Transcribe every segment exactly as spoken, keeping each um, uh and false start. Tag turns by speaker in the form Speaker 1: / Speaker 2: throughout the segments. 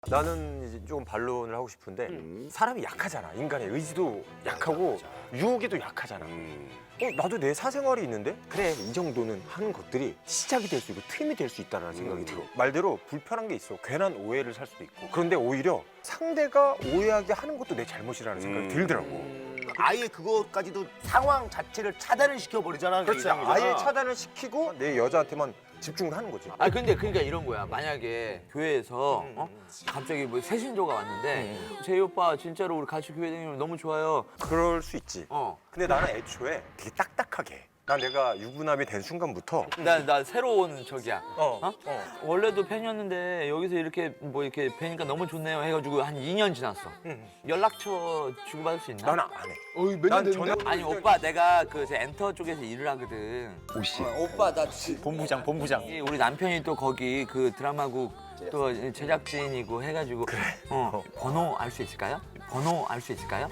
Speaker 1: 나는 이제 조금 반론을 하고 싶은데 음. 사람이 약하잖아. 인간의 의지도 약하고 유혹에도 약하잖아. 음. 어, 나도 내 사생활이 있는데 그래 이 정도는 하는 것들이 시작이 될 수 있고 틈이 될 수 있다는 생각이 음. 들어. 말대로 불편한 게 있어. 괜한 오해를 살 수도 있고. 그런데 오히려 상대가 오해하게 하는 것도 내 잘못이라는 생각이 음. 들더라고.
Speaker 2: 아예 그거까지도 상황 자체를 차단을 시켜버리잖아.
Speaker 1: 그렇지. 아예 차단을 시키고 내 여자한테만 집중을 하는 거지.
Speaker 3: 아 근데 그러니까 이런 거야. 만약에 교회에서 어? 갑자기 뭐 새신조가 왔는데 제이 오빠 진짜로 우리 같이 교회 다니면 너무 좋아요.
Speaker 1: 그럴 수 있지.
Speaker 3: 어.
Speaker 1: 근데 나는 애초에 되게 딱딱하게 해. 난 내가 유부남이 된 순간부터
Speaker 3: 나, 나 새로운 적이야.
Speaker 1: 어,
Speaker 3: 어?
Speaker 1: 어.
Speaker 3: 원래도 팬이었는데 여기서 이렇게 뭐 이렇게 뵈니까 너무 좋네요 해가지고 한 이 년 지났어.
Speaker 1: 응.
Speaker 3: 연락처 주고받을 수 있나?
Speaker 1: 나는 안 해.
Speaker 4: 어이 몇년 됐는데?
Speaker 3: 아니 오빠 내가 그 엔터 쪽에서 일을 하거든.
Speaker 4: 오씨.
Speaker 3: 오빠 나
Speaker 4: 본부장 본부장.
Speaker 3: 우리 남편이 또 거기 그 드라마국 또 제작진이고 해가지고 어 번호 알 수 있을까요? 번호 알 수 있을까요?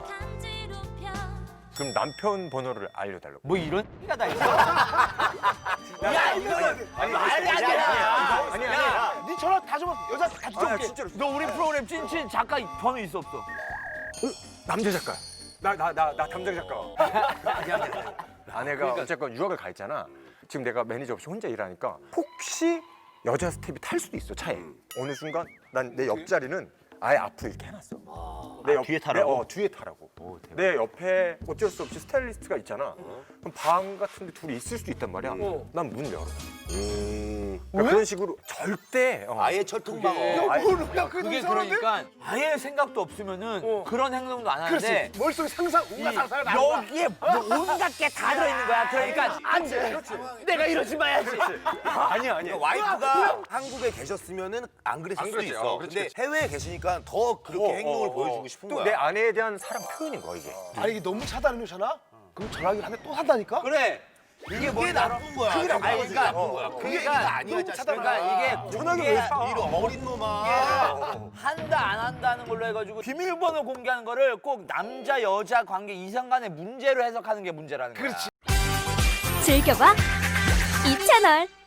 Speaker 1: 그럼 남편 번호를 알려달라고.
Speaker 3: 뭐 이런 X가 다 있어?
Speaker 2: 야 이거는
Speaker 1: 아니,
Speaker 2: 말이 안
Speaker 1: 아니,
Speaker 2: 되잖아.
Speaker 1: 아니, 아니, 아니.
Speaker 2: 야, 네 전화 다 줘봐. 여자 다
Speaker 1: 아니,
Speaker 2: 줘볼게.
Speaker 1: 진짜로.
Speaker 3: 너 우리 프로그램 찐친 작가 번호 있어 없어?
Speaker 1: 남자 작가야. 나, 나, 나, 나 담당 작가.
Speaker 3: 아니 아니 아니.
Speaker 1: 아내가 어쨌건 유학을 가 있잖아. 지금 내가 매니저 없이 혼자 일하니까 혹시 여자 스텝이 탈 수도 있어, 차에. 어느 순간 난 내 옆자리는 아예 앞으로 이렇게 해놨어. 내 옆,
Speaker 4: 뒤에 타라고?
Speaker 1: 내, 어, 뒤에 타라고. 내 옆에 어쩔 수 없이 스타일리스트가 있잖아. 그럼 방 같은 데 둘이 있을 수도 있단 말이야. 난 문 열어. 음. 그러니까 그런 식으로 절대 어.
Speaker 2: 아예 철통방어.
Speaker 1: 어, 아예-
Speaker 3: 그게 그러니까 아예 생각도 없으면은 그런 행동도 안 하는데
Speaker 4: 머릿속에 상상 온갖 상상을 다 하는
Speaker 3: 여기에 뭐 온갖 게 다 들어있는 거야. 그러니까 안 돼. 내가 이러지 마야지.
Speaker 1: 아니야, 아니야.
Speaker 2: 와이프가 한국에 계셨으면은 안 그랬을
Speaker 1: 안
Speaker 2: 수도
Speaker 1: 그랬지.
Speaker 2: 있어.
Speaker 1: 어, 그렇지,
Speaker 2: 근데 해외에 계시니까 더 그렇게
Speaker 1: 어,
Speaker 2: 행동을
Speaker 1: 어, 어.
Speaker 2: 보여주고 싶은
Speaker 1: 또
Speaker 2: 거야.
Speaker 1: 내 아내에 대한 사랑 표현인 거야, 이게.
Speaker 4: 아니 이게 너무 차단해 놓잖아? 그럼 전화기를 한 대 또 산다니까?
Speaker 3: 그래.
Speaker 2: 이게 뭐 나쁜 거야.
Speaker 1: 그게 나쁜
Speaker 2: 아니,
Speaker 1: 거지.
Speaker 2: 그러니까
Speaker 1: 어.
Speaker 2: 뭐야. 그게
Speaker 3: 그러니까
Speaker 2: 얘기가 아니야.
Speaker 3: 너무
Speaker 2: 자식아.
Speaker 3: 그러니까 이게
Speaker 1: 전화기
Speaker 3: 이게
Speaker 1: 왜 사?
Speaker 2: 이런 어린 놈아.
Speaker 3: 한다 안 한다는 걸로 해가지고 비밀번호 공개하는 거를 꼭 남자 여자 관계 이성 간의 문제로 해석하는 게 문제라는 거야.
Speaker 4: 그렇지.
Speaker 5: 즐겨봐 이 채널.